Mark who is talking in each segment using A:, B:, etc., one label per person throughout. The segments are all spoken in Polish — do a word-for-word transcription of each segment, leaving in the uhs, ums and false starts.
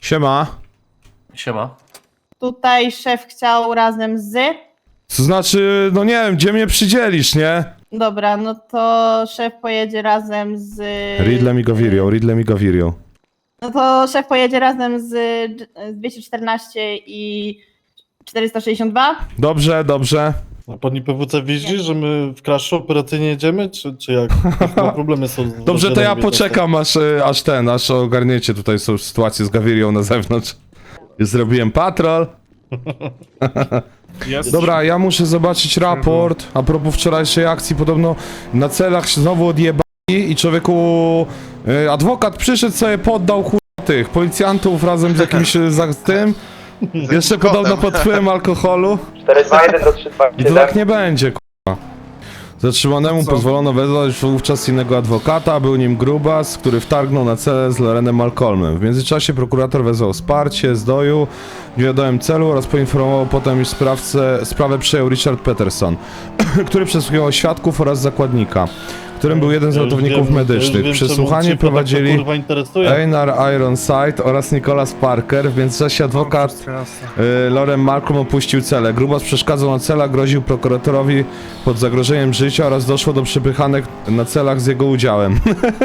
A: Siema.
B: Siema.
C: Tutaj szef chciał razem z...
A: To znaczy, no nie wiem, gdzie mnie przydzielisz, nie?
C: Dobra, no to szef pojedzie razem z...
A: Ridlem i Gavirio, Ridlem i Gavirio.
C: No to szef pojedzie razem z, z dwieście czternaście i czterysta sześćdziesiąt dwa.
A: Dobrze, dobrze.
D: A pani P W C widzi, że my w crashu operacyjnie jedziemy, czy, czy jak? No, problemy są z
A: Dobrze, to ja
D: rozdziałem
A: poczekam, aż, e, aż ten, aż ogarniecie tutaj są sytuację z Gavirią na zewnątrz. Już zrobiłem patrol.
E: Jest.
A: Dobra, ja muszę zobaczyć raport. A propos wczorajszej akcji, podobno na celach się znowu odjebali i człowieku... e, adwokat przyszedł sobie, poddał chuj tych policjantów razem z jakimś e, za tym. Jeszcze podobno pod wpływem alkoholu.
F: cztery dwa jeden do trzy dwa
A: I to tak nie będzie, k***a. Zatrzymanemu
E: Co?
A: pozwolono wezwać wówczas innego adwokata, był nim Grubas, który wtargnął na celę z Lorenem Malcolmem. W międzyczasie prokurator wezwał wsparcie z doju w niewiadomym celu oraz poinformował potem, iż sprawcę, sprawę przejął Richard Peterson, który przesłuchiwał świadków oraz zakładnika, którym był jeden z
D: Ja już
A: ratowników
D: wiem, ja już
A: medycznych.
D: wiem,
A: Przesłuchanie
D: czemu cię to tak
A: prowadzili
D: kurwa interesuje.
A: Einar Ironside oraz Nicholas Parker. W międzyczasie adwokat
E: Wszystko jasne.
A: Yy, Loren Malcolm opuścił celę. Grubas przeszkadzał na celach, groził prokuratorowi pod zagrożeniem życia oraz doszło do przepychanek na celach z jego udziałem.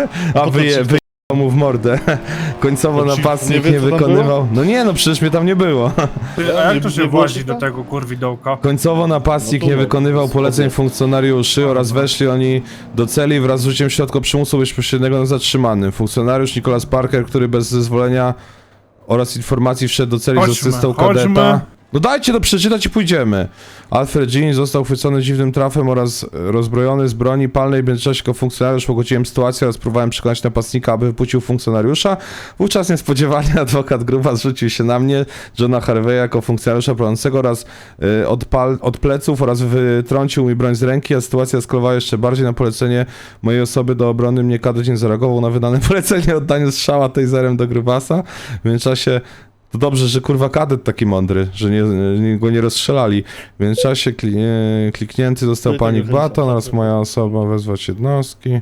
A: A wyje, wyjechał mu w mordę. Końcowo
D: To ci
A: napastnik
D: nie
A: nie,
D: wie, co tam
A: wykonywał... No nie, no przecież mnie tam nie było.
E: Ty, a jak to
D: nie-
E: się
D: nie
E: włazi
D: było
E: do
D: tam?
E: tego kurwidołka?
A: Końcowo napastnik
D: No to
A: nie
D: no,
A: wykonywał
D: spoko.
A: poleceń funkcjonariuszy oraz weszli oni do celi wraz z użyciem środka przymusu bezpośredniego na zatrzymanym. Funkcjonariusz Nicholas Parker, który bez zezwolenia oraz informacji wszedł do celi z
E: Chodźmy,
A: asystą
E: chodźmy.
A: kadeta. No dajcie to przeczytać i pójdziemy. Alfred Jean został chwycony dziwnym trafem oraz rozbrojony z broni palnej. W międzyczasie jako funkcjonariusz pogodziłem sytuację oraz próbowałem przekonać napastnika, aby wypuścił funkcjonariusza. Wówczas niespodziewanie adwokat Gruba zwrócił się na mnie, Johna Harveya, jako funkcjonariusza prowadzącego oraz y, od, pal, od pleców oraz wytrącił mi broń z ręki, a sytuacja eskalowała jeszcze bardziej. Na polecenie mojej osoby do obrony mnie kadet nie zareagował na wydane polecenie o oddaniu strzała taserem do Grubasa. W międzyczasie to dobrze, że kurwa kadet taki mądry, że nie, nie, go nie rozstrzelali. W międzyczasie kli, e, kliknięty został
D: Ty,
A: panik
D: ty,
A: baton
D: ty,
A: oraz
D: ty.
A: moja osoba wezwać jednostki.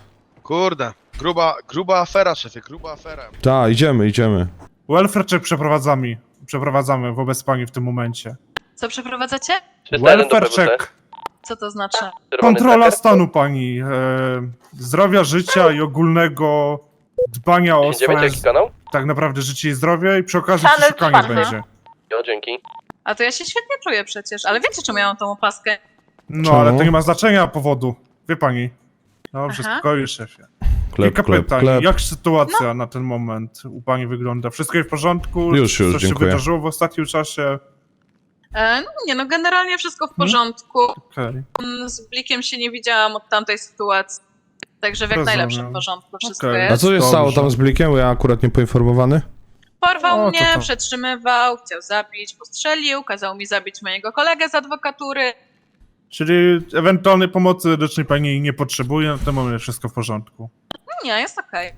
G: Kurde, gruba, gruba afera, szefie, gruba afera.
A: Tak, idziemy, idziemy.
E: Welfare check przeprowadzamy. Przeprowadzamy wobec pani w tym momencie.
H: Co przeprowadzacie?
E: Welfare check.
H: Co to znaczy?
E: Kontrola stanu pani. E, zdrowia, życia i ogólnego dbania o swoje,
F: kanał?
E: tak naprawdę życie i zdrowie i przy okazji
C: Channel
E: przeszukanie
C: czwarty.
E: będzie.
F: Jo, dzięki.
H: A to ja się świetnie czuję przecież, ale wiecie czemu ja mam tą opaskę?
E: No
A: Czemu?
E: ale to nie ma znaczenia powodu. Wie pani. Dobrze,
H: Aha.
E: spokojnie szefie.
A: Klep,
E: Kilka
A: klep,
E: pytań.
A: klep.
E: Jak sytuacja na ten moment u pani wygląda? Wszystko jest w porządku?
A: Już, już,
E: Coś się
A: dziękuję.
E: wydarzyło w ostatnim czasie?
H: E, no nie, no generalnie wszystko w porządku.
E: Okej.
H: Mm, Z Blikiem się nie widziałam od tamtej sytuacji. Także w jak
E: Rozumiem.
H: najlepszym porządku wszystko
E: Okej.
A: A
H: jest.
A: co się
E: Dobrze.
A: stało tam z Blikiem? Bo ja akurat nie poinformowany.
H: Porwał
E: O, to
H: mnie,
E: to.
H: przetrzymywał, chciał zabić, postrzelił, kazał mi zabić mojego kolegę z adwokatury.
E: Czyli ewentualnej pomocy medycznej pani nie potrzebuje, na ten moment wszystko w porządku.
H: No nie, jest okej.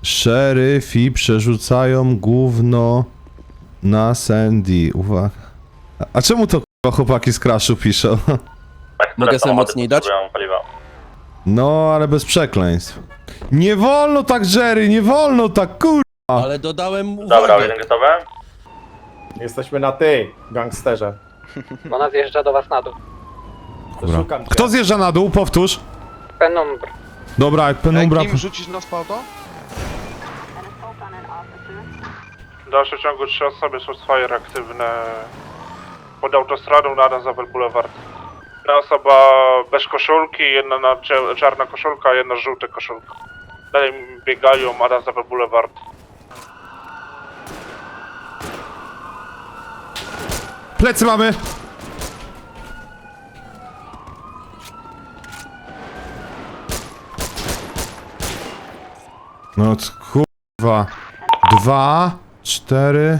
A: Szeryfi przerzucają gówno na Sandy. Uwaga. A- A czemu to kurwa chłopaki z Crashu piszą?
B: Mogę sobie mocniej dać?
A: No, ale bez przekleństw. Nie wolno tak, Jerry, nie wolno tak, kur...
B: Ale dodałem uwagę.
F: gotowe?
I: Jesteśmy na ty, gangsterze.
F: Ona zjeżdża do was na dół.
A: Dobra.
I: Szukam cię.
A: Kto zjeżdża na dół? Powtórz.
F: Penumbr.
A: Dobra, jak penumbra...
G: Ej, kim rzucić na spauto?
J: W dalszym ciągu trzy osoby Sourcefire aktywne pod autostradą na Adamsapple Boulevard. Jedna osoba bez koszulki, jedna na cze- czarna koszulka, jedna żółta koszulka. Dalej biegają Adamsapple Boulevard.
A: Plecy mamy! No c- kurwa. Dwa, cztery...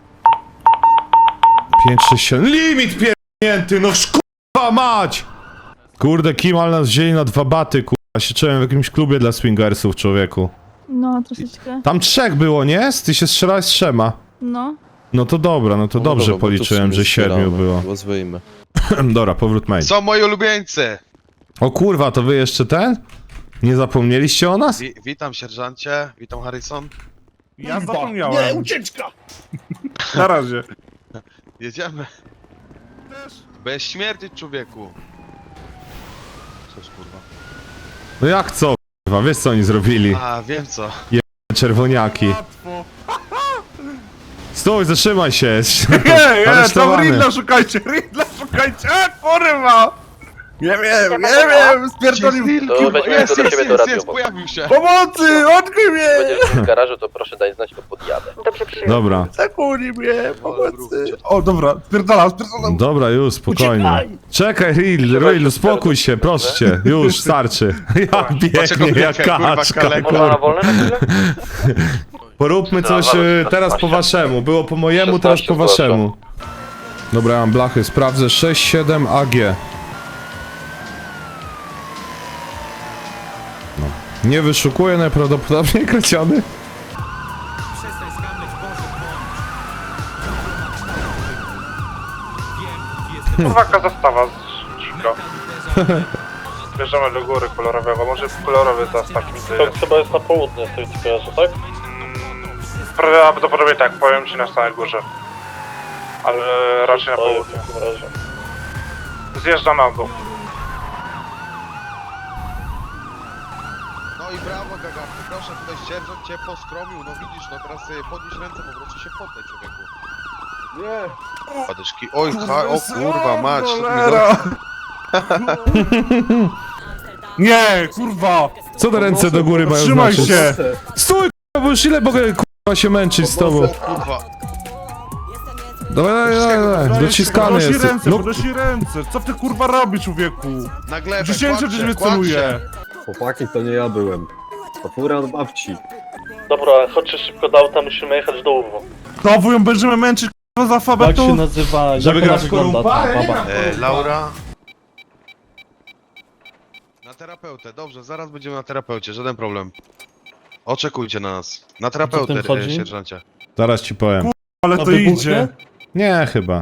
A: Pięć, sześć, siedem... Limit pierdnięty, no kurwa mać! Kurde, Kimal nas wzięli na dwa baty, kurwa. Się czułem w jakimś klubie dla swingersów, człowieku.
C: No, troszeczkę.
A: Tam trzech było, nie? Ty się strzelałeś z trzema.
C: No.
A: No to dobra, no to
B: No
A: dobrze
B: dobra, bo to w
A: policzyłem,
B: sumie
A: że siedmiu
B: zbieramy.
A: było.
B: Rozwyjmy.
A: Dobra, powrót main.
G: Są moi ulubieńcy!
A: O kurwa, to wy jeszcze ten? Nie zapomnieliście o nas?
G: Wi witam sierżancie, witam Harrison.
E: Ja zapomniałem.
I: ucieczka!
E: Na razie.
G: Jedziemy. Bez śmierci, człowieku. Coś kurwa.
A: No jak co, kurwa, wiesz co oni zrobili?
G: A, wiem co.
A: Czerwoniaki.
E: Łatwo.
A: Stój, zatrzymaj się.
E: Nie, nie, tam
A: Aresztowany.
E: Ridla szukajcie, Ridla szukajcie, e, kurwa! Nie wiem, nie wiem, spierdolił.
F: To weźmiemy
G: Jest,
F: go do
G: jest,
F: siebie do
G: jest,
F: radio.
G: jest, pojawił się.
E: Pomocy, odkryj mnie!
F: Będziesz w garażu, to proszę daj znać, to podjadę.
A: Dobra,
E: Zakuli mnie,
G: Ale
E: pomocy.
G: wróćcie.
E: O, dobra, spierdalam, spierdalam.
A: dobra, już, spokojnie. Czekaj, Ril, Ril, uspokój się, proszę cię. Już, starczy. Jak
G: Dlaczego
A: biegnie, jak
G: biegnie, kurwa,
A: kaczka,
G: kaleko?
F: Można na
A: kurwa.
F: wolne na chwilę?
A: Poróbmy coś y, teraz po waszemu. Było po mojemu, teraz po waszemu. Dobra, ja mam blachy, sprawdzę. sześć siedem A G. No. Nie wyszukuję, najprawdopodobniej kradziony.
J: Uwaga, zastawa z dzika. Bierzemy do góry kolorowego, może kolorowy zastaw mi
D: To chyba jest na południe z tej kojarzy, tak?
J: Prawdopodobnie tak, powiem ci na samej górze. Ale raczej na
D: To jest
J: południe.
D: w takim razie.
J: Zjeżdża na dół.
G: No i brawo, Gagarty, proszę, tutaj sierżant cię poskromił, no widzisz, no teraz sobie podnieś ręce, po prostu się poddaj, człowieku. Nie. Padyszki, oj, ha, o kurwa, mać.
E: Cholera. Nie, kurwa!
A: Co te ręce do góry mają
E: Trzymaj
A: znaczyć?
E: się!
A: Stój, kurwa, bo już ile mogę kurwa się męczyć z tobą?
G: Kurwa,
A: Dawaj, dawaj, dawaj, dawaj. Dociskany
E: Podnosi
A: jest.
E: ręce,
A: No,
E: podnosi ręce. Co ty kurwa robisz, człowieku?
G: na glebę,
E: Dziesięciu
G: kładź
E: gdzieś
G: się,
E: mnie
G: kładź
E: celuje.
G: się.
I: Chłopaki, to nie ja byłem. To fura od babci.
D: Dobra, chodźcie szybko do auta, musimy jechać do Uwo.
E: Znowu ją będziemy męczyć kurwa z
D: Jak się
E: alfabetu?
D: nazywa,
A: Żeby
D: jak ona
A: grać
D: wygląda
A: korumpa?
D: ta baba?
G: E, Laura. Na terapeutę, dobrze, zaraz będziemy na terapeucie, żaden problem. Oczekujcie na nas. Na terapeutę,
D: tym chodzi?
G: e, sierżancie.
A: zaraz ci powiem.
E: Ale
D: A
E: to
D: wybuchnie?
E: idzie.
A: Nie, chyba.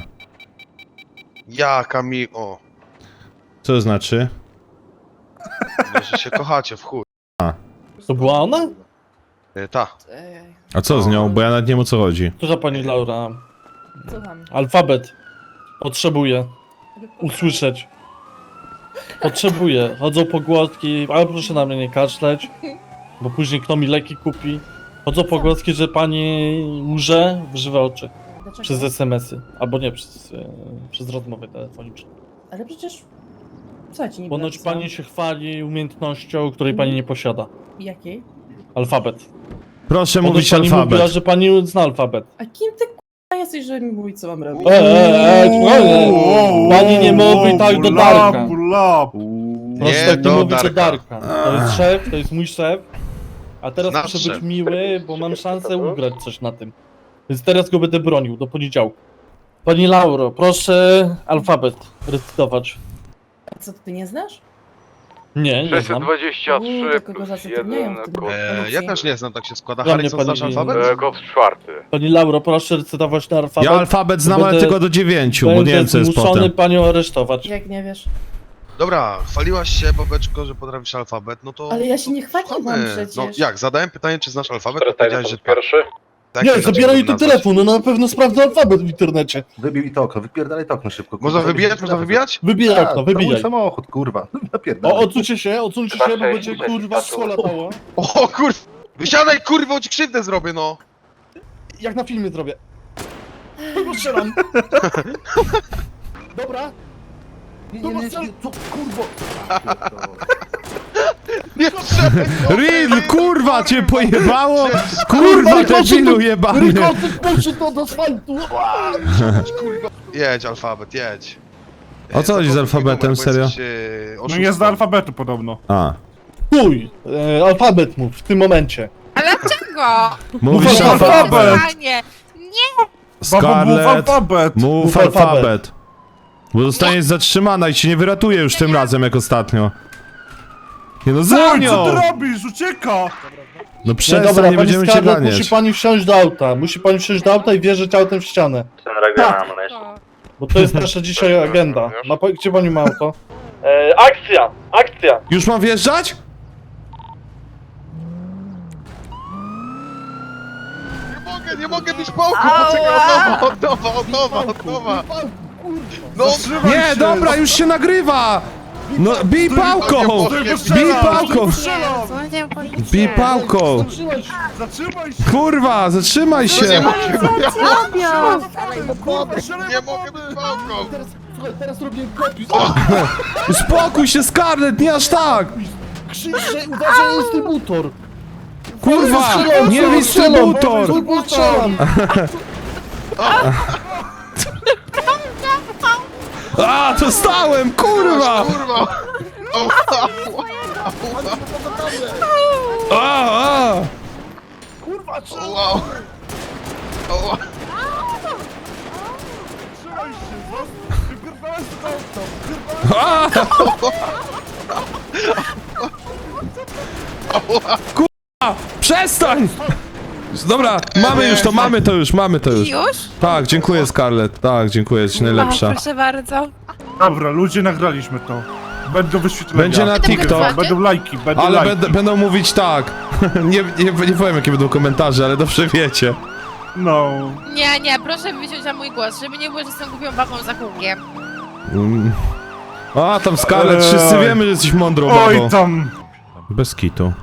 G: Jaka mi... o,
A: Co to znaczy?
G: no, że się kochacie, w chuj.
D: To była ona?
G: E, ta.
A: A co z nią? Bo ja nawet nie wiem o co chodzi.
D: Która pani Laura?
C: Słucham.
D: Alfabet. Potrzebuję usłyszeć. Potrzebuję. Chodzą pogłoski, ale proszę na mnie nie kaszleć, bo później kto mi leki kupi. Chodzą pogłoski, że pani łże w żywe oczy. Przez es em esy. Albo nie, przez, e, przez rozmowy telefoniczne.
C: Ale przecież... Co ci nie
D: Ponoć pani się chwali umiejętnością, której pani nie posiada.
C: Jakiej?
D: Alfabet.
A: Proszę
D: Ponoć
A: mówić
D: pani mówiła,
A: alfabet.
D: że pani zna alfabet.
C: A kim ty k***a jesteś, że mi mówić, co mam robić?
D: E, e, e, spokojnie. Pani nie mówi tak do Darka.
E: Bula,
D: Proszę
G: Nie
D: tak nie
G: do
D: mówić do
G: Darka.
D: Darka. To jest szef, to jest mój szef. A teraz
G: Nasz
D: muszę
G: szef.
D: być miły, bo mam szansę ugrać coś na tym. Więc teraz go będę bronił do poniedziałku. Pani Lauro, proszę alfabet recytować.
C: A co, ty nie znasz?
D: Nie, nie znam.
F: dwadzieścia
C: Uuu, to kogo zatrudniają w tym
G: E, ja też nie znam, tak się składa.
D: Dla mnie
G: Harrison, znasz
D: pani-
G: alfabet?
F: Ghost czwarty.
D: Pani Lauro, proszę recytować na alfabet.
A: Ja alfabet znam, ale
D: Będę-
A: tylko do dziewięciu, bo nie
D: Będę
A: wiem co jest
D: zmuszony
A: potem.
D: panią aresztować.
C: Jak nie wiesz?
G: Dobra, chwaliłaś się, Bobeczko, że potrafisz alfabet, no to...
C: Ale ja się nie chwaliłam
G: Słuchamy.
C: przecież.
G: No jak, zadałem pytanie, czy znasz alfabet, to powiedziałeś, że tak.
F: pierwszy.
G: Tak,
D: Nie,
G: inaczej
D: zabieraj
G: mógłbym
D: tu
G: nazwać.
D: telefon, no na pewno sprawdzę alfabet w internecie.
I: Wybij to okno, wypierdalaj to okno szybko.
G: Można wybijać, można wybijać?
D: Wybijaj okno,
I: Mój
D: wybijaj.
I: samochód, kurwa.
D: O,
I: Napierdalaj.
D: odsuńcie się, odsuńcie się, bo będzie kurwa szkło latało.
G: O kur... Wysiadaj, kurwa, ci krzywdę zrobię, no!
D: Jak na filmie zrobię. Kogo strzelam? Dobra. Kogo strzelam?
G: Nie strzelaj!
A: Ril, kurwa, cię pojebało? Kurwa, debilu jebany.
D: Rykotyk poszedł do asfaltu.
G: Jedź, alfabet, jedź.
A: O co chodzi z
G: Zapomnij
A: alfabetem,
G: numer, bo
A: serio?
G: jesteś, e,
E: no
G: oszustem.
E: nie zna alfabetu podobno.
A: A.
D: Chuj, e, alfabet mów w tym momencie.
H: Ale dlaczego?
A: Mówisz
E: Mów
A: alfabet.
E: alfabet.
H: Panie,
E: Babo, mów
A: Scarlett,
E: alfabet.
A: mów
D: Mów
A: alfabet.
D: alfabet.
A: Bo zostaniesz zatrzymana i ci nie wyratuje już tym razem jak ostatnio. Nie no, za
E: Oj, co
A: nią!
E: ty robisz? Ucieka!
A: No
D: Nie,
A: przestań,
D: dobra,
A: nie
D: pani
A: będziemy cię
D: Scarlett, musi
A: ganiać.
D: pani wsiąść do auta. Musi pani wsiąść do auta i wjeżdżać autem w ścianę. Bo to jest nasza dzisiaj agenda. Ma, pa- gdzie pani ma auto? E, akcja! Akcja!
A: Już mam wjeżdżać?
G: Nie mogę! mogę, nie mogę być pałką! Poczekaj, od nowa, od nowa, od nowa! No,
A: Nie, dobra, już się nagrywa! No, bij pałką! Bij pałką! Bij pałką!
E: Zatrzymaj się!
A: Kurwa, zatrzymaj się!
G: nie mogę być pałką!
B: Teraz robię kopić.
A: Uspokój się, Scarlett, nie aż tak!
B: Krzyczę, uważaj, dystrybutor.
A: Kurwa, nie dystrybutor!
B: Strzelam.
A: A, dostałem, kurwa!
G: Kurwa!
A: A, a.
B: Kurwa,
G: Wow! Wow!
E: Zatrzymaj się! zas- Wypierdalaj z auta!
A: A! Kurwa, przestań! Dobra, mamy już to, mamy to już, mamy to już.
H: Już?
A: Tak, dziękuję Scarlett, tak, dziękuję, jesteś najlepsza.
H: proszę bardzo.
E: Dobra, ludzie, nagraliśmy to. Będą wyświetlenia.
A: Będzie na TikTok,
E: Będą lajki, będą
A: ale
E: lajki.
A: będę, będą mówić tak. Nie, nie, nie powiem jakie będą komentarze, ale dobrze wiecie.
E: No.
H: Nie, nie, proszę wyciąć na mój głos, żeby nie było, że jestem głupią babą za kółkiem.
A: Mm. A, tam Scarlett,
E: Ej.
A: wszyscy wiemy, że jesteś mądrą babą.
E: Oj tam!
A: Bez kitu.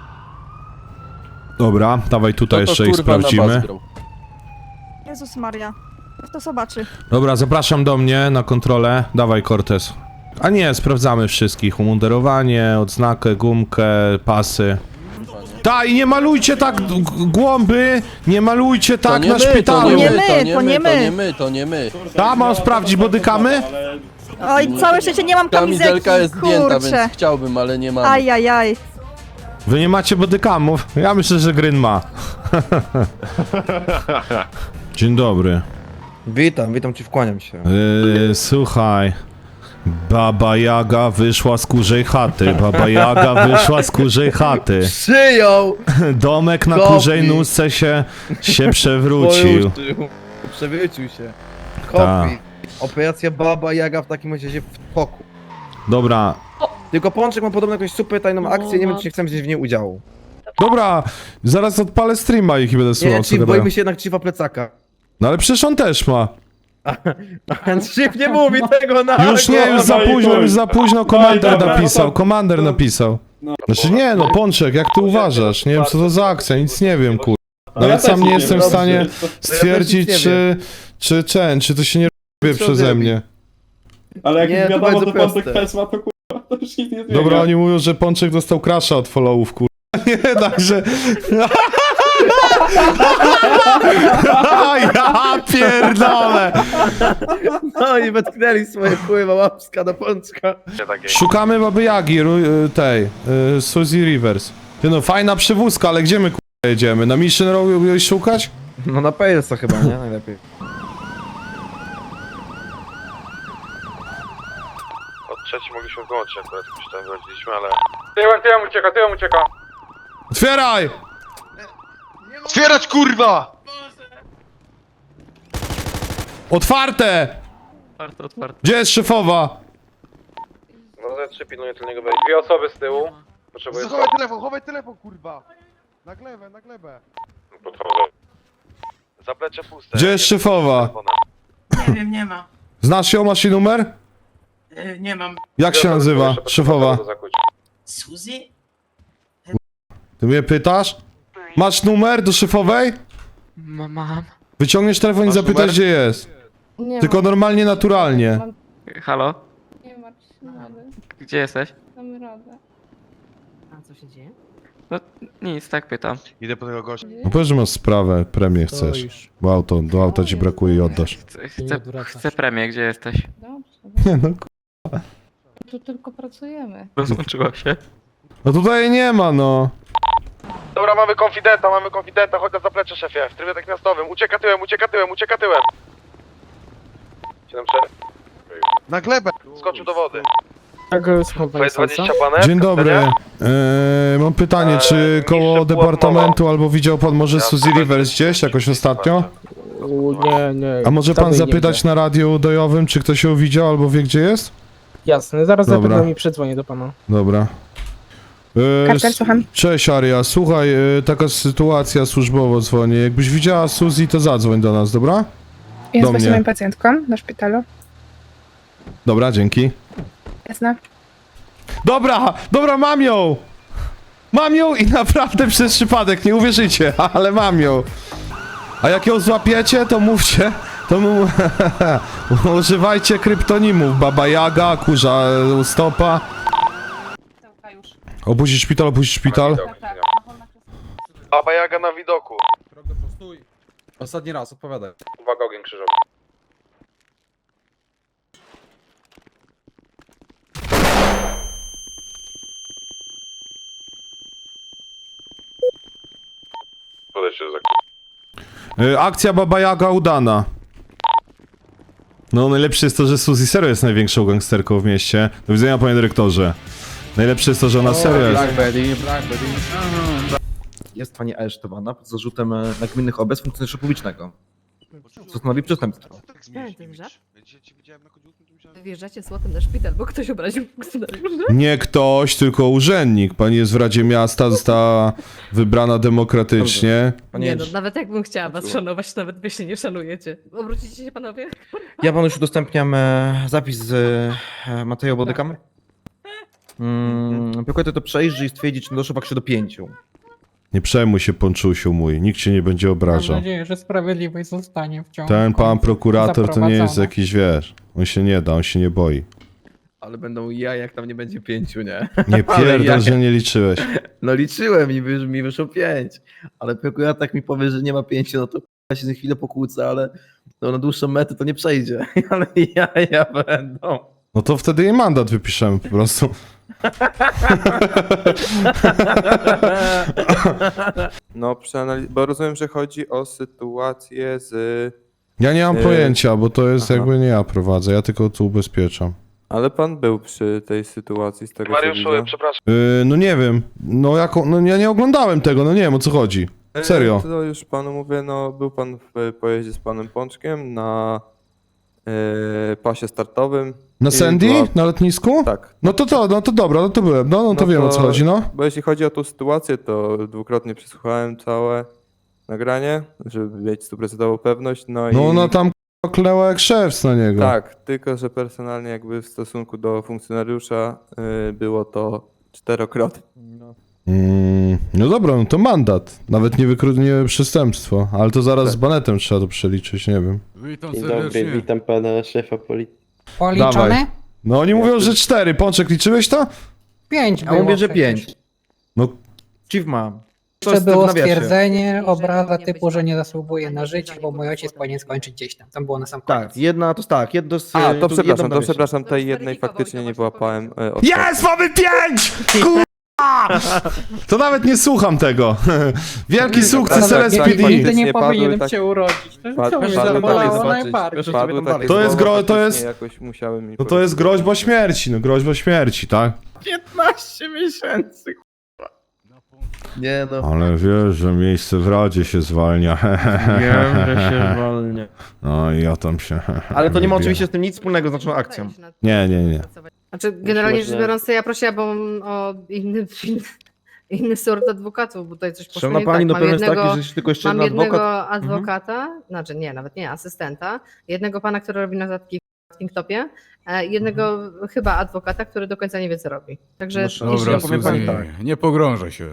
A: Dobra, dawaj tutaj jeszcze ich sprawdzimy.
C: Jezus Maria. Kto zobaczy?
A: Dobra, zapraszam do mnie na kontrolę. Dawaj, Cortez. A nie, sprawdzamy wszystkich. Umundurowanie, odznakę, gumkę, pasy. Ta, i nie malujcie tak g- głąby! Nie malujcie tak na szpitalu!
C: nie my, to nie
B: to nie
C: my.
B: my, to nie my.
A: Ta, mam sprawdzić bodykamy?
C: Oj, całe szczęście nie mam kamizelki,
B: Kamizelka jest zdjęta,
C: kurczę.
B: więc chciałbym, ale nie mam.
C: Ajajaj.
A: Wy nie macie bodykamów? Ja myślę, że Gryn ma. Dzień dobry.
K: Witam, witam cię, wkłaniam się.
A: Yy, słuchaj. Baba Jaga wyszła z kurzej chaty. Baba Jaga wyszła z kurzej chaty.
K: Przyjął!
A: Domek na
K: Kopi.
A: kurzej nóżce się, się przewrócił.
K: Przewrócił się.
A: Ta.
K: Kopi. Operacja Baba Jaga w takim razie w toku.
A: Dobra,
K: Tylko Pączek ma podobno jakąś super tajną akcję, nie wiem czy nie chcemy wziąć w niej udziału.
A: dobra, zaraz odpalę streama ich i będę
K: Nie,
A: słuchał, co
K: Chief,
A: gadają.
K: boimy się jednak Chiefa plecaka.
A: No ale przecież on też ma.
K: Chief nie mówi tego na
A: Już nie, już za późno, już za późno komander napisał, komander napisał. Znaczy nie, no Pączek, jak ty uważasz? Nie wiem co to za akcja, nic nie wiem, kur... Nawet sam nie jestem w stanie stwierdzić,
K: nie
A: czy, czy, czy, czy to się nie robi przeze mnie.
D: Ale jak
K: Nie,
D: nie,
K: to
D: wiadomo,
K: bardzo
D: to
K: proste.
D: Pasek Pes ma, to kurwa, to już nic nie zmienia.
A: Dobra, oni mówią, że Pączek dostał crasha od followów, kur... Nie, także... Ja pierdolę!
K: No i wetknęli swoje pływa łapska do Pączka.
A: Szukamy Baby Jagi, ru- tej, y, Suzy Rivers. Ty no, fajna przywózka, ale gdzie my k***a jedziemy? Na Mission Row ją szukać?
K: No na Palesa chyba, nie? Najlepiej.
F: Od trzeci mogliśmy wyłączyć akurat, już tam wychodziliśmy, ale...
J: Tyłem, tyłem ucieka, tyłem ucieka.
A: Otwieraj!
G: Otwierać, kurwa!
A: Otwarte!
F: Otwarte, otwarte.
A: Gdzie jest szefowa?
F: No ze trzy pilnuje tylnego wejścia.
J: Dwie osoby z tyłu. Potrzebuję
G: Chowaj telefon, chowaj telefon, kurwa! Na glebę, na glebę.
F: Podchodzę. Zaplecze puste.
A: Gdzie jest szefowa?
H: Nie wiem, nie ma.
A: Znasz ją, masz jej numer?
H: Nie mam.
A: Jak się nazywa szefowa?
H: Suzy?
A: Ty mnie pytasz? Masz numer do szefowej?
H: Mam.
A: Wyciągniesz telefon i
G: Masz
A: zapytasz
G: numer?
A: gdzie jest.
C: Nie
A: Tylko normalnie, naturalnie.
F: Halo?
C: Nie martw się, rady.
F: Gdzie jesteś?
C: Damy radę.
H: A co się dzieje?
F: No nic, tak pytam.
G: Idę po tego gościa.
A: No powiedz, że masz sprawę, premię chcesz. Bo auto, do auta ci brakuje i oddasz.
F: Chcę, chcę, chcę premię, gdzie jesteś?
C: Dobrze,
A: Nie no, k-
C: tu tylko pracujemy.
F: Rozłączyła się.
A: no tutaj jej nie ma, no.
F: Dobra, mamy konfidenta, mamy konfidenta, chodź na zaplecze, szefie. W trybie natychmiastowym. Ucieka tyłem, ucieka tyłem, ucieka tyłem. siedem cztery.
G: Na glebę!
F: Skoczył do wody.
K: Jak słucham
F: Twoje dwadzieścia panek?
A: Dzień dobry. Eee, mam pytanie, czy koło departamentu albo widział pan może Suzy Rivers gdzieś jakoś ostatnio?
K: Nie, nie.
A: A może pan zapytać na radiu udojowym, czy ktoś ją widział albo wie gdzie jest?
K: Jasne, zaraz
A: Dobra.
K: zapewne mi przedzwonię do pana.
A: Dobra. E,
C: Karcel,
A: s-
C: słucham.
A: Cześć Aria, słuchaj, e, taka sytuacja służbowo dzwonię. Jakbyś widziała Suzy, to zadzwoń do nas, dobra?
C: Jest
A: Do
C: właśnie
A: mnie.
C: moją pacjentką na szpitalu.
A: Dobra, dzięki.
C: Jasne.
A: Dobra, dobra, mam ją! Mam ją i naprawdę przez przypadek, nie uwierzycie, ale mam ją. A jak ją złapiecie, to mówcie, to mu... używajcie kryptonimów, Baba Jaga, Kurza e, Stopa. Opuścić szpital, opuścić szpital.
F: Baba Jaga na widoku.
K: Ostatni raz, odpowiadaj.
F: Uwaga, ogień krzyżowy. Podejdźcie do zakładu.
A: E, Akcja Baba Jaga udana. No najlepsze jest to, że Suzy serio jest największą gangsterką w mieście. Do widzenia, panie dyrektorze. Najlepsze jest to, że ona serio jest.
K: Blackberry, Blackberry. Jest pani aresztowana pod zarzutem e, nagminnych obrad funkcjonariusza publicznego. Co stanowi przestępstwo.
H: Wjeżdżacie złotem na szpital, bo ktoś obraził funkcjonariusza.
A: Nie ktoś, tylko urzędnik. Pani jest w Radzie Miasta, została wybrana demokratycznie.
K: Panie,
H: Nie no, nawet jakbym chciała was szanować, to nawet wy się nie szanujecie. Obrócicie się panowie?
K: ja panu już udostępniam e, zapis z e, materiału bodykamy. Mm, Prokurator to przejrzy i stwierdzi, czy doszło faktycznie do pięciu.
A: Nie przejmuj się, Ponczusiu mój, nikt cię nie będzie obrażał.
L: nadzieję, że sprawiedliwość zostanie w ciągu
A: Ten pan
L: końca
A: prokurator to nie jest
L: zaprowadzona.
A: jakiś, wiesz, on się nie da, on się nie boi.
K: Ale będą ja, jak tam nie będzie pięciu, nie?
A: Nie
K: Ale
A: pierdol,
K: ja-
A: że nie liczyłeś.
K: No liczyłem i wy, mi wyszło pięć. Ale prokurator tak mi powie, że nie ma pięciu, no to ja się za chwilę pokłócę, ale no, na dłuższą metę to nie przejdzie. Ale ja, ja będą.
A: No to wtedy jej mandat wypiszemy po prostu.
F: No, przeanaliz- bo rozumiem, że chodzi o sytuację z...
A: Ja nie mam
F: Yy,
A: pojęcia, bo to jest
F: aha.
A: jakby nie ja prowadzę, ja tylko tu ubezpieczam.
F: Ale pan był przy tej sytuacji z tego
E: Mariuszu,
F: co widzę.
E: przepraszam.
A: Yy, no nie wiem, no jako, no ja nie oglądałem tego, no nie wiem o co chodzi. Serio.
F: To już panu mówię, no był pan w pojeździe z panem Pączkiem na e, pasie startowym.
A: Na
F: I
A: Sandy?
F: była-
A: Na lotnisku?
F: Tak.
A: No to to, no to dobra, no to byłem, no, no to
F: No
A: wiem o co
F: to-
A: chodzi, no.
F: Bo jeśli chodzi o tą sytuację, to dwukrotnie przesłuchałem całe nagranie, żeby mieć stuprocentową pewność, no i...
A: No ona tam k***a, kleła jak szewc na niego.
F: Tak, tylko że personalnie jakby w stosunku do funkcjonariusza y, było to czterokrotnie.
A: Mm, no dobra, no to mandat. Nawet nie wykru... nie przestępstwo. Ale to zaraz
F: Tak.
A: z banetem trzeba to przeliczyć, nie wiem.
I: Witam serdecznie. witam pana szefa policji.
L: Policzone?
A: Dawaj. No oni mówią, że cztery. Pączek, liczyłeś to?
L: Pięć
K: A
L: było
K: mówię, że
L: przecież.
K: pięć.
A: No.
K: Chief ma. To
L: Jeszcze
K: jest w
L: było
K: nawiasie.
L: stwierdzenie, obraza typu, że nie zasługuje na życie, bo mój ojciec powinien skończyć gdzieś tam. Tam było na sam koniec.
K: Tak, jedna to tak, jedno z...
F: A, to
K: jedno
F: przepraszam, to
K: nawiasie.
F: przepraszam, tej
H: To
F: jednej
H: zweryfikował
F: faktycznie
H: i to
F: nie
H: właśnie
F: wyłapałem. e, od-
A: Jest! Mamy pięć! Kurwa! To nawet nie słucham tego. Wielki sukces
F: tak,
A: L S P
F: tak,
A: D.
L: Nigdy
F: faktycznie
L: nie
F: padły
L: powinienem
F: tak-
L: cię urodzić. To,
F: Pad-
L: to mnie
F: padły
L: zabolało
F: takie zobaczyć.
L: najbardziej.
K: Proszę
F: Padły
K: sobie
F: takie
K: dalej.
A: To jest
F: słowa,
A: gro- to jest-
F: faktycznie Jakoś musiałem mi
A: No to jest
F: powiedzieć.
A: groźba śmierci, no groźba śmierci, tak?
K: piętnaście miesięcy, kurwa. Nie no.
A: Ale wiesz, że miejsce w Radzie się zwalnia.
K: Wiem, że się zwalnia.
A: No i ja tam się...
K: Ale to nie ma
A: biję.
K: oczywiście z tym nic wspólnego z naszą akcją.
A: Nie, nie, nie.
H: Znaczy, generalnie
I: Można-
H: rzecz biorąc, to ja prosiłabym o inny, inny sort adwokatów, bo tutaj coś poszło
K: Szanowna
H: nie
K: pani,
H: tak.
K: no
H: Mam
K: problem jest
H: jednego,
K: taki, że jeśli tylko jeszcze
H: mam
K: jeden
H: jednego
K: adwokat... Mhm.
H: adwokata, znaczy nie, nawet nie, asystenta, jednego pana, który robi notatki w Kingtopie, e, jednego chyba adwokata, który do końca nie wie, co robi. Także
K: No,
H: jeśli
K: dobra, powiem pani tak.
J: nie pogrążę się.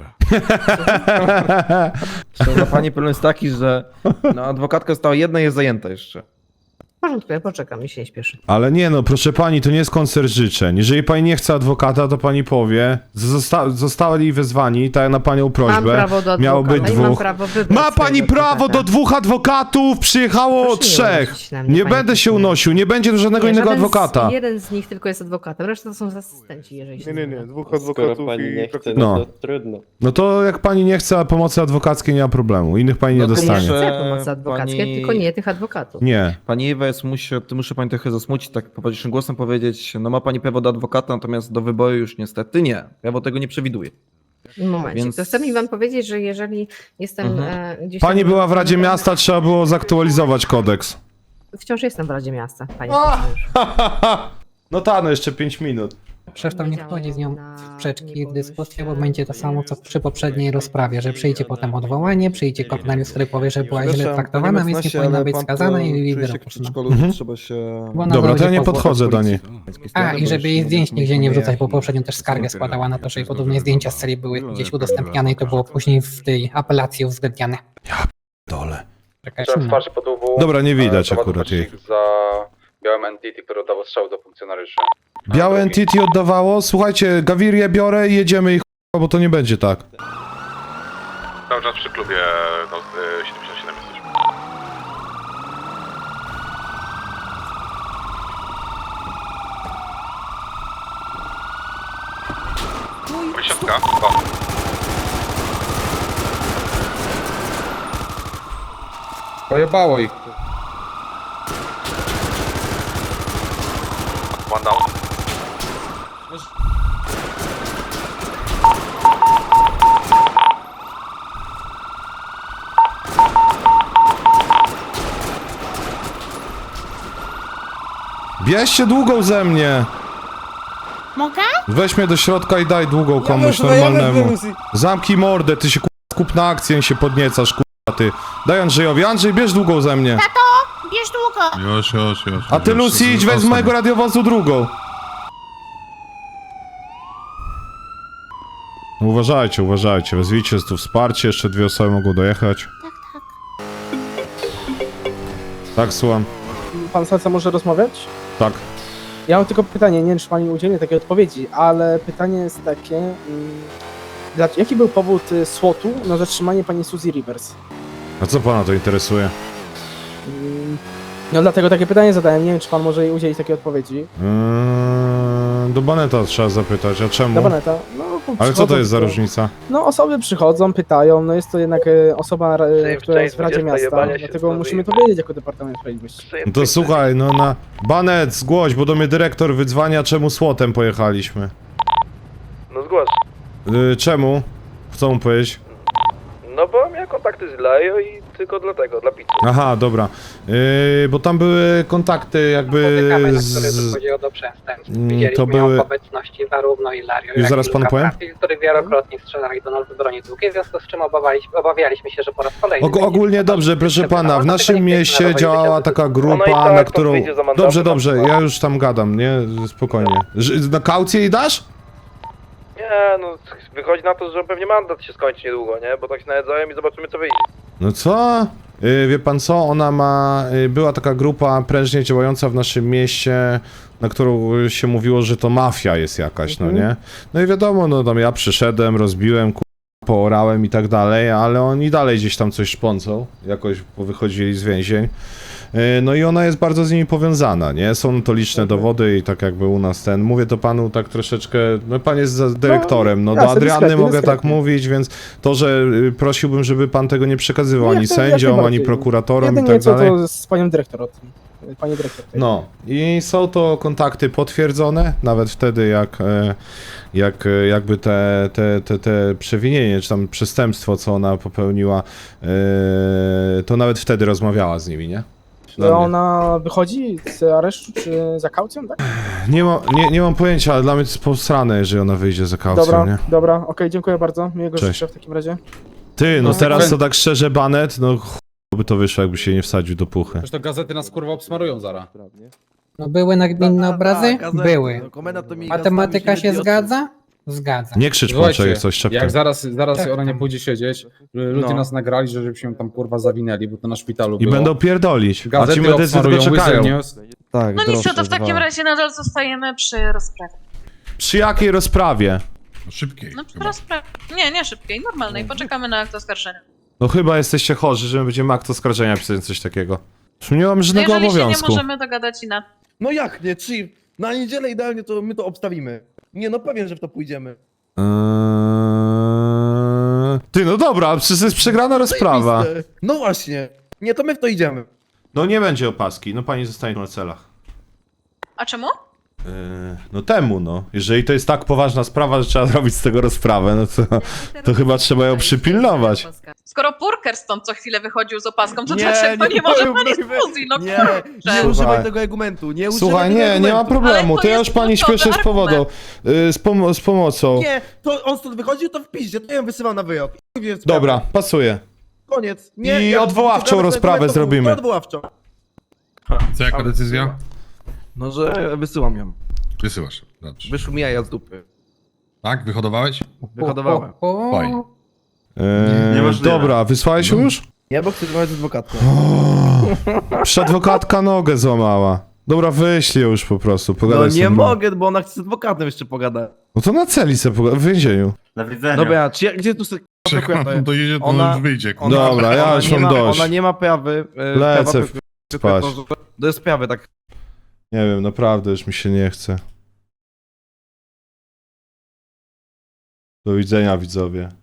K: Szanowna pani, problem jest taki, że no, adwokatka została jedna i jest zajęta jeszcze.
H: w porządku, ja poczekam, mi się nie śpieszy.
A: Ale nie no, proszę pani, to nie jest koncert życzeń. Jeżeli pani nie chce adwokata, to pani powie. Zosta zostali wezwani, tak na panią
H: Mam
A: prośbę.
H: prawo do adwokata
A: Miało być
H: i mam
A: dwóch.
H: prawo wybrać
A: Ma pani
H: swojego
A: prawo do
H: adwokata.
A: dwóch adwokatów! Przyjechało
H: Proszę nie
A: trzech!
H: unosić na mnie,
A: Nie
H: panie
A: będę się
H: pośle.
A: unosił, nie będzie tu żadnego
H: Nie,
A: innego
H: żaden
A: adwokata.
H: Z, jeden z nich tylko jest adwokatem, reszta to są asystenci, jeżeli się
F: Nie, nie,
H: mylę.
F: nie, dwóch
I: Skoro
F: adwokatów
I: pani
F: i...
I: nie chce,
A: No.
I: no to trudno.
A: No to jak pani nie chce pomocy adwokackiej, nie ma problemu. Innych pani nie
K: No to
A: dostanie.
K: muszę-
H: Chcę pomocy adwokackiej,
K: pani-
H: tylko nie tych adwokatów.
A: Nie.
K: Pani Ewa, jest, muszę, to muszę pani trochę zasmucić, tak poważniejszym głosem powiedzieć, no ma pani prawo do adwokata, natomiast do wyboru już niestety nie. Prawo tego nie przewiduje.
H: Momencik,
K: Więc-
H: to chcę mi wam powiedzieć, że jeżeli jestem
K: Mhm.
H: e, gdzieś
A: Pani
H: tam-
A: była w Radzie Miasta, trzeba było zaktualizować kodeks.
H: Wciąż jestem w Radzie Miasta, panie
A: A!
H: funkcjonariuszu.
A: No ta, no jeszcze pięć minut.
L: Przecież tam nie wchodzi z nią w sprzeczki, w dyskusję, bo będzie to samo, co przy poprzedniej rozprawie, że przyjdzie potem odwołanie, przyjdzie komisariusz, który powie, że była źle traktowana, więc nie powinna być skazana i wyroczona.
A: Mhm.
I: się...
L: Bo ona
A: Dobra, to ja
L: będzie
A: nie
L: po-
A: podchodzę do niej.
L: A, i żeby jej zdjęć nigdzie nie wrzucać, bo poprzednio też skargę składała na to, że jej podobne zdjęcia z celi były gdzieś udostępniane i to było później w tej apelacji uwzględniane.
A: Dole.
L: Taka jest inna.
A: Dobra, nie widać akurat jej.
I: za białym entity, które oddało strzał do funkcjonariuszy.
A: Białe entity oddawało? Słuchajcie, Gawirię biorę i jedziemy ich, bo to nie będzie tak.
F: Cały czas przy klubie no, siedemdziesiąt siedem jesteśmy. Wysiadka? O.
I: Pojebało ich.
F: One down.
A: Bierzcie długą ze mnie!
C: Mogę?
A: Weź mnie do środka i daj długą komuś normalnemu. Zamknij mordę, ty się k***a, skup na akcję i się podniecasz, k***a ty. Daj Andrzejowi. Andrzej, bierz długą ze mnie.
C: Bierz długo.
F: Już, już, już.
A: A ty, Lucy, idź weź z mojego radiowozu drugą. No uważajcie, uważajcie. Wezwijcie tu wsparcie, jeszcze dwie osoby mogą dojechać.
C: Tak, tak.
A: Tak, słucham.
M: Pan Salca może rozmawiać?
A: Tak.
M: Ja mam tylko pytanie, nie wiem czy pan mi udzieli takiej odpowiedzi, ale pytanie jest takie, mm, dla, jaki był powód y, słotu na zatrzymanie pani Suzy Rivers?
A: A co pana to interesuje?
M: Mm, No dlatego takie pytanie zadałem, nie wiem czy pan może jej udzielić takiej odpowiedzi.
A: Eee, do Baneta trzeba zapytać, a czemu?
M: Na Baneta. No, bo
A: Ale co
M: przychodzą
A: to jest za
M: tylko-
A: różnica?
M: No osoby przychodzą, pytają, no jest to jednak e, osoba, e, która jest w Radzie Miasta, dlatego musimy to wiedzieć jako Departament Sprawiedliwości.
A: No to słuchaj, no na... Banet, zgłoś, bo do mnie dyrektor wydzwania, czemu słotem pojechaliśmy.
B: No zgłasz.
A: Yy, czemu? Chcą mu powiedzieć?
B: No bo miałem kontakty z Lajo i tylko dlatego, dla pizzy.
A: Aha, dobra. Yy, bo tam były kontakty jakby
L: Spotykamy, na
A: z...
L: które dochodziło do przestępstw.
A: Mm,
L: Widzieliśmy
A: to były-
L: ją w obecności zarówno Ilario,
A: Już
L: jak
A: zaraz
L: i
A: panu
L: Luka
A: powiem.
L: Trafi, którzy wielokrotnie strzelali do nas z broni długiej, w związku z czym obawialiśmy, obawialiśmy się, że po raz kolejny...
A: Og
L: będzie
A: ogólnie
L: to
A: dobrze, proszę
L: przebywało,
A: pana, w
L: dlatego
A: naszym
L: nie chcieliśmy
A: mieście
L: narażać
A: działała
L: życia
A: taka
L: do-
A: grupa,
B: Ono i tak
A: na
B: to
A: którą...
B: wyjdzie za mandatem,
A: Dobrze, dobrze,
B: na
A: ja już tam gadam, nie? Spokojnie. Ż na kaucję jej dasz?
B: Nie, no wychodzi na to, że pewnie mandat się skończy niedługo, nie? Bo tak się najedzają i zobaczymy co wyjdzie.
A: No co? Yy, wie pan co? Ona ma... Yy, była taka grupa prężnie działająca w naszym mieście, na którą się mówiło, że to mafia jest jakaś, no nie? No i wiadomo, no tam ja przyszedłem, rozbiłem, ku... poorałem i tak dalej, ale oni dalej gdzieś tam coś szpącą, jakoś wychodzili z więzień. Yy, No i ona jest bardzo z nimi powiązana, nie? Są to liczne dowody i tak jakby u nas ten... Mówię to panu tak troszeczkę... No pan jest za dyrektorem, no do
M: jasne,
A: Adrianny
M: dyskretnie,
A: mogę tak
M: dyskretnie.
A: mówić, więc to, że y, prosiłbym, żeby pan tego nie przekazywał
M: No,
A: ani
M: jak to- jak
A: sędziom, ani
M: najbardziej.
A: prokuratorom i
M: Jedynie
A: tak
M: co
A: dalej.
M: to z panią dyrektor o tym. Pani dyrektor. tutaj.
A: No i są to kontakty potwierdzone, nawet wtedy jak, e, jak e, jakby te, te, te, te przewinienie, czy tam przestępstwo, co ona popełniła, e, to nawet wtedy rozmawiała z nimi, nie? Dla
M: Czy
A: mnie.
M: ona wychodzi z aresztu, czy za kaucją, tak?
A: Nie, ma, nie, nie mam pojęcia, ale dla mnie to jest posrane, jeżeli ona wyjdzie za kaucją,
M: Dobra,
A: nie?
M: dobra, okej, dziękuję bardzo. Miłego
A: Cześć.
M: życzę w takim razie.
A: Ty, no
M: No,
A: teraz
M: wy-
A: to tak szczerze, Banet, no ch... by to wyszło, jakby się nie wsadził do puchy.
I: to gazety nas kurwa obsmarują zaraz.
L: No były nagminne obrazy? Były.
K: No,
L: Matematyka się zgadza? Zgadza.
A: Nie krzycz, Pączek, jak coś szeptem.
I: Jak zaraz, zaraz
L: Tak,
I: ona nie
L: tam.
I: pójdzie siedzieć, ludzie
K: No.
I: nas nagrali, że żebyśmy ją tam kurwa zawinęli, bo to na szpitalu
A: I
I: było.
A: będą pierdolić, a
I: Gazety
A: ci medycy tylko
I: obsmarują,
A: czekają.
I: Wizard News.
K: Tak,
N: No nic, to w takim razie nadal zostajemy przy rozprawie.
A: Przy jakiej rozprawie?
F: Szybkiej.
N: No przy rozprawie. Nie, nie szybkiej, normalnej. Poczekamy na akt oskarżenia.
A: No chyba jesteście chorzy, że my będziemy akt oskarżenia pisać coś takiego. Nie mam
N: No
A: żadnego
N: jeżeli się nie
A: obowiązku.
N: możemy dogadać inaczej.
K: No jak nie, Chief? Na niedzielę idealnie to my to obstawimy. Nie no, pewien, że w to pójdziemy.
A: Eee... Ty, no dobra, przecież jest przegrana rozprawa.
K: Zajebiste. No właśnie. Nie, to my w to idziemy.
A: No nie będzie opaski, no pani zostanie na celach.
N: A czemu?
A: Yy, no temu, no. Jeżeli to jest tak poważna sprawa, że trzeba zrobić z tego rozprawę, no to, to chyba trzeba ją przypilnować.
N: Skoro Purker stąd co chwilę wychodził z opaską, to
K: Nie,
N: dlaczego nie,
K: nie
N: może
K: powiem,
N: pani
K: mówię-
N: fuzji? No
K: Nie,
N: kurczę.
K: nie
A: Słuchaj.
K: używaj tego argumentu, nie używaj
A: Słuchaj,
K: tego
A: nie,
K: argumentu.
A: nie ma problemu,
N: Ale to
A: to ja
N: jest
A: już pani
N: kluczowy
A: śpieszę z powodu.
N: argument.
A: Yy, z, pom z pomocą.
K: Nie, to on stąd wychodził, to w piździe, to ja ją wysyłam na wyjazd. I chuj wie sprawa.
A: Dobra, pasuje.
K: Koniec. Nie,
A: I
K: ja-
A: odwoławczą
K: czekamy,
A: rozprawę
K: to- to-
A: zrobimy.
K: To odwoławczą.
O: Co, jaka decyzja?
K: No, że wysyłam ją.
O: Wysyłasz. Dobrze.
K: Wyszło mi jaja z dupy.
O: Tak? Wyhodowałeś?
K: Wyhodowałem.
L: O, o, o.
O: Fajnie.
A: Yy,
O: Niemożliwe.
A: dobra, wysłałeś ją już?
K: Nie, bo chcę rozmawiać z adwokatką.
A: Przecież adwokatka nogę złamała. Dobra, wyślij ją już po prostu,
K: No
A: pogadaj z
K: nie
A: tym.
K: mogę, bo ona chce z adwokatem jeszcze pogadać.
A: No to na celi sobie pogadaj, w więzieniu.
O: Na widzenia.
K: Dobra, czy ja, gdzie tu sobie
O: Czekam, dojedzie, to
K: Ona-
O: już wyjdzie.
K: ona-
A: Dobra, ja
K: ona
A: już
K: nie
A: mam
K: ma,
A: dość.
K: Ona nie ma prawy. e,
A: Lecę
K: prawa-
A: w- spać.
K: Do sprawy, tak.
A: Nie wiem, naprawdę już mi się nie chce. Do widzenia, widzowie.